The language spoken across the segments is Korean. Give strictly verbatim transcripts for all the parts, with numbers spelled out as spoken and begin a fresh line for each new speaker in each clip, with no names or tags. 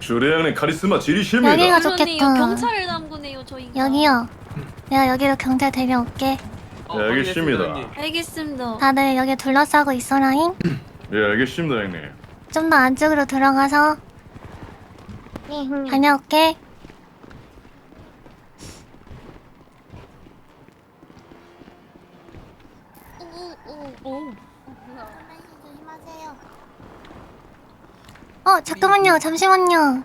주례 형님 카리스마 지리십니다.
여기가
물론이요.
좋겠다.
경찰을 담그네요 저희가.
여기요. 내가 여기로 경찰 데려올게.
어,
네, 알겠습니다.
형님.
알겠습니다.
다들 여기 둘러싸고 있어라잉.
예, 알겠습니다, 형님.
좀 더 안쪽으로 들어가서 다녀올게.
오.
어 잠깐만요. 잠시만요.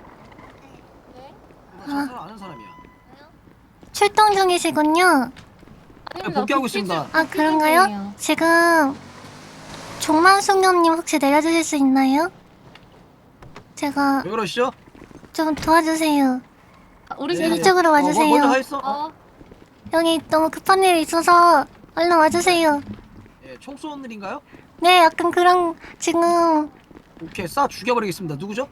저 사람 아는 사람이야.
출동 중이시군요.
네, 복귀하고 있습니다.
아 그런가요? 지금 종만숙녀님 혹시 내려주실 수 있나요? 제가
왜 그러시죠?
좀 도와주세요.
우리
네.
이쪽으로
어,
와주세요.
뭐, 먼저 가 있어.
어.
여기 너무 급한 일이 있어서 얼른 와주세요.
예, 총 쏘는 일인가요?
네, 약간 그런 지금
오케이, 쏴 죽여버리겠습니다. 누구죠?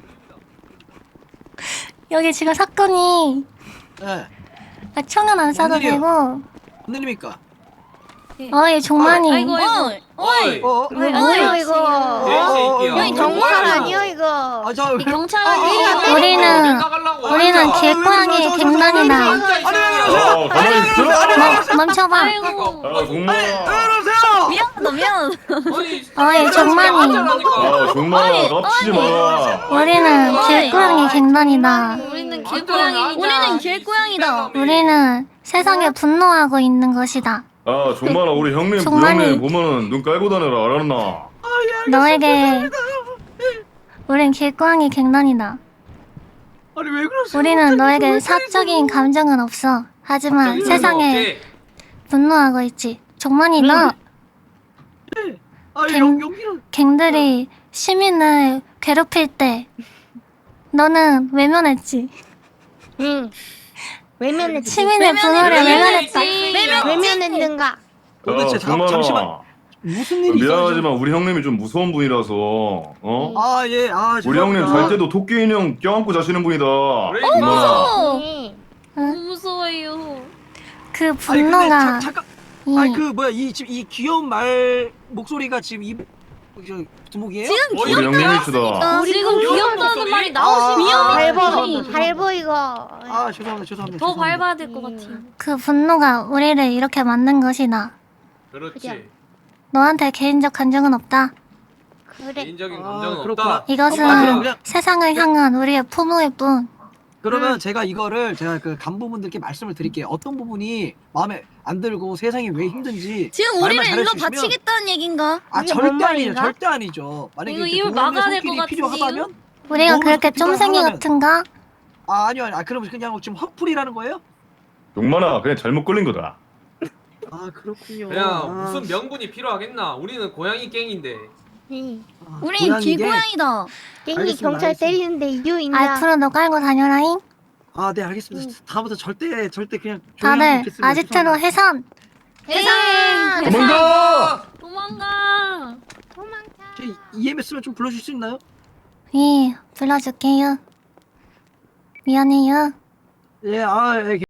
여기 지금 사건이
예,
아, 총은 안 쏴도
웬일이야?
되고
뭔 일입니까?
어이 종만이
아이고 아이고.
어이.
어, 어,
왜
어이,
뭐예요
어이,
이거?
어, 어, 어,
형이
어,
정말
어,
아니요 이거.
아, 저
이 경찰
어, 어, 어,
우리는 우리는
아,
길고양이
왜 그러세요?
갱단이다.
아니 왜 그러세요?
어, 가만히 있어.
멈- 멈춰봐.
아이고.
아, 정말.
왜 그러세요?
미안하다 미안.
어이 종만이
아, 정말 깝치지 마.
우리는 길고양이 갱단이다.
우리는 길고양이다.
우리는 길고양이다.
우리는 세상에 분노하고 있는 것이다.
아, 정말 우리 형님,
정말이-
부형님 보면은 눈 깔고 다녀라, 알았나?
너에게 우린 길고양이 갱단이다.
아니 왜 그러세요?
우리는 너에게 사적인 감정은 없어. 하지만 세상에 분노하고 있지. 종만이 너
아니
갱-
용 용기는
갱들이 시민을 괴롭힐 때 너는 외면했지.
응. 외면했지.
시민의 분노를 외면했다.
외면했는가?
도대체
아,
잠-
정말.
잠시만. 무슨 일이 있어요?
미안하지만 우리 형님이 좀 무서운 분이라서, 어?
아 예, 아
우리 형님
죄송합니다.
잘 때도 토끼 인형 껴안고 자시는 분이다.
그래,
정말.
응.
너무 무서워요.
그
아니 근데
분노가
자, 잠깐.
이
아니 그 뭐야 이 지금 이 귀여운 말 목소리가 지금 이 저, 두목이에요?
우리 형님이시다.
지금 귀엽다는 말이 나오시면
아,
밟아.
죄송합니다,
밟아 이거.
아 죄송합니다 죄송합니다.
더
죄송합니다.
밟아야 될 것 같아요.
그 분노가 우리를 이렇게 만든 것이다.
그렇지.
너한테 개인적 감정은 없다.
그래.
개인적인
아,
감정은
그렇구나.
없다.
이것은
아, 그럼 그냥-
세상을 향한 우리의 포부일 뿐.
그러면 제가 이거를 제가 그 간부분들께 말씀을 드릴게요. 어떤 부분이 마음에 안 들고 세상이 왜 힘든지
지금
말만
우리를 일로
잘해주시면-
바치겠다는 얘긴가?
아
이게
절대
뭔
아니죠
말인가?
절대 아니죠. 만약에
이거
이렇게
입을
도움의
막아야 될것
손길이
같은데요?
필요하다면
우리가
너무
그렇게
필요하다면-
쫌생이 같은가?
아 아니요 아니요 아, 그러면 그냥 지금 화풀이라는 거예요?
용만아, 그냥 잘못 걸린 거다.
아 그렇군요.
그냥
아,
무슨 명분이 필요하겠나? 우리는 고양이 갱인데.
응.
아,
우린
고양이게-
길고양이다. 깽이
알겠습니다,
경찰
알겠습니다.
때리는데 이유 있나?
앞으로 너 깔고 다녀라잉.
아, 네 알겠습니다. 다음부터 절대 절대 그냥 조용히
다들
있겠습니다.
아지트로
죄송합니다.
해산.
세상.
도망가!
도망가.
도망쳐.
제 이엠에스만 좀 불러줄 수 있나요?
예, 불러줄게요. 미안해요.
예, 아, 예,